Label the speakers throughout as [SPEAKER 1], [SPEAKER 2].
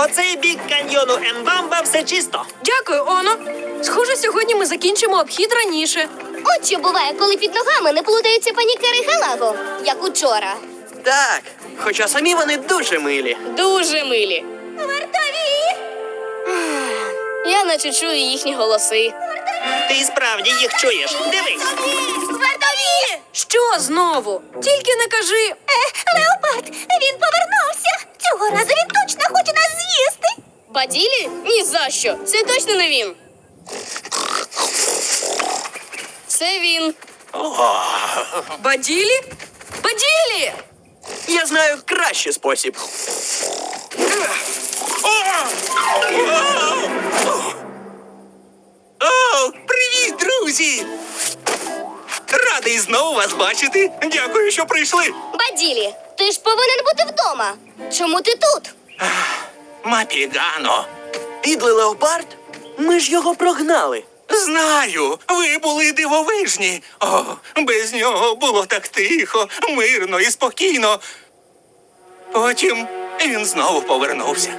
[SPEAKER 1] По цей бік каньйону Ембамба все чисто.
[SPEAKER 2] Дякую, Оно. Схоже, сьогодні ми закінчимо обхід раніше.
[SPEAKER 3] От що буває, коли під ногами не плутаються панікери Галаго, як учора.
[SPEAKER 1] Так, хоча самі вони дуже милі.
[SPEAKER 4] Дуже милі.
[SPEAKER 3] Вартові!
[SPEAKER 4] Я наче чую їхні голоси.
[SPEAKER 1] Ти і справді їх чуєш. Дивись.
[SPEAKER 3] Вартові!
[SPEAKER 2] Що знову? Тільки не кажи.
[SPEAKER 3] Леопард, він повернувся! Цього разу він точно хоче нас з'їсти!
[SPEAKER 4] Баділі? Ні за що. Це точно не він. Це він.
[SPEAKER 2] Баділі? Баділі!
[SPEAKER 1] Я знаю кращий спосіб.
[SPEAKER 5] О, привіт, друзі! Радий знову вас бачити. Дякую, що прийшли.
[SPEAKER 3] Баділі, ти ж повинен бути вдома. Чому ти тут?
[SPEAKER 5] Мапігано.
[SPEAKER 1] Підлий леопард? Ми ж його прогнали.
[SPEAKER 5] Знаю, ви були дивовижні. О, без нього було так тихо, мирно і спокійно. Потім він знову повернувся.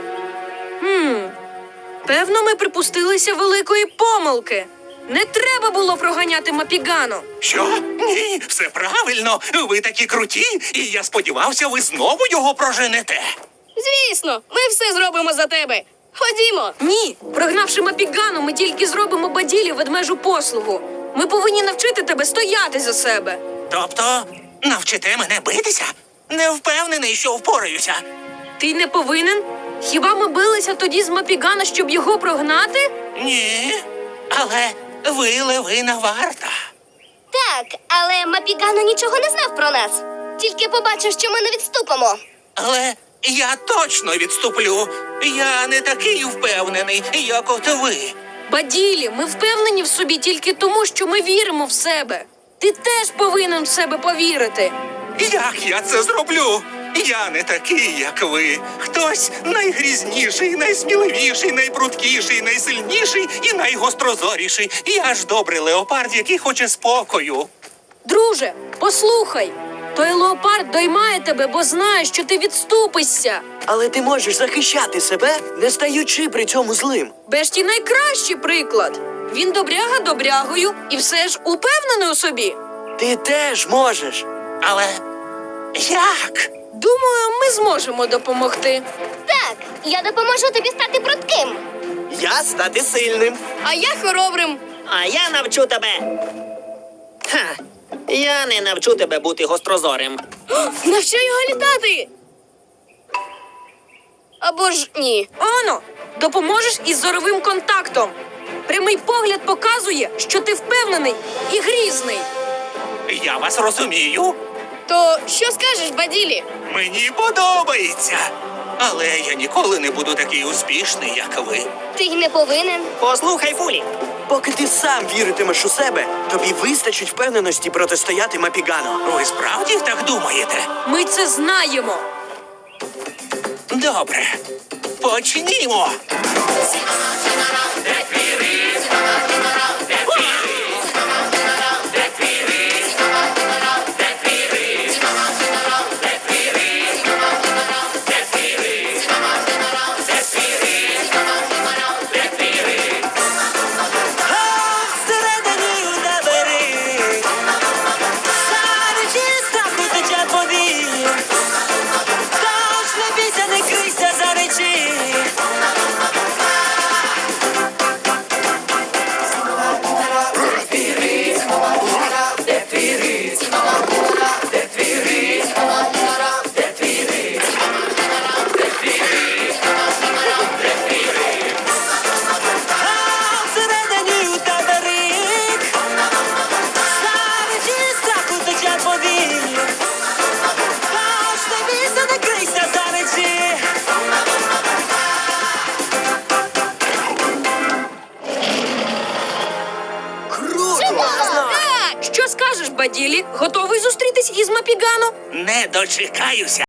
[SPEAKER 2] Певно, ми припустилися великої помилки. Не треба було проганяти Мапігану.
[SPEAKER 5] Що? Ні, все правильно. Ви такі круті, і я сподівався, ви знову його проженете.
[SPEAKER 4] Звісно, ми все зробимо за тебе. Ходімо.
[SPEAKER 2] Ні, прогнавши Мапігану, ми тільки зробимо Баділі ведмежу послугу. Ми повинні навчити тебе стояти за себе.
[SPEAKER 5] Тобто, навчите мене битися? Не впевнений, що впораюся.
[SPEAKER 2] Ти не повинен? Хіба ми билися тоді з Мапігана, щоб його прогнати?
[SPEAKER 5] Ні, але ви левина варта.
[SPEAKER 3] Так, але Мапігано нічого не знав про нас. Тільки побачив, що ми не відступимо.
[SPEAKER 5] Але я точно відступлю. Я не такий впевнений, як от ви.
[SPEAKER 2] Баділі, ми впевнені в собі тільки тому, що ми віримо в себе. Ти теж повинен в себе повірити.
[SPEAKER 5] Як я це зроблю? Я не такий, як ви. Хтось найгрізніший, найсміливіший, найпрудкіший, найсильніший і найгострозоріший. Я ж добрий леопард, який хоче спокою.
[SPEAKER 2] Друже, послухай. Той леопард доймає тебе, бо знає, що ти відступишся.
[SPEAKER 1] Але ти можеш захищати себе, не стаючи при цьому злим.
[SPEAKER 2] Бешті найкращий приклад. Він добряга добрягою і все ж упевнений у собі.
[SPEAKER 1] Ти теж можеш.
[SPEAKER 5] Але як?
[SPEAKER 2] Думаю, ми зможемо допомогти.
[SPEAKER 3] Так, я допоможу тобі стати прудким.
[SPEAKER 1] Я стати сильним.
[SPEAKER 4] А я хоробрим.
[SPEAKER 1] А я навчу тебе. Ха, я не навчу тебе бути гострозорим.
[SPEAKER 4] Навчу його літати. Або ж ні.
[SPEAKER 2] Оно, допоможеш із зоровим контактом. Прямий погляд показує, що ти впевнений і грізний.
[SPEAKER 5] Я вас розумію.
[SPEAKER 4] То що скажеш, Баділі?
[SPEAKER 5] Мені подобається. Але я ніколи не буду такий успішний, як ви.
[SPEAKER 3] Ти й не повинен.
[SPEAKER 1] Послухай, Фулі. Поки ти сам віритимеш у себе, тобі вистачить впевненості протистояти Мапігану.
[SPEAKER 5] Ви справді так думаєте?
[SPEAKER 2] Ми це знаємо.
[SPEAKER 5] Добре. Почнімо.
[SPEAKER 2] Що скажеш, Баділі? Готовий зустрітись із Мапігану?
[SPEAKER 5] Не дочекаюся.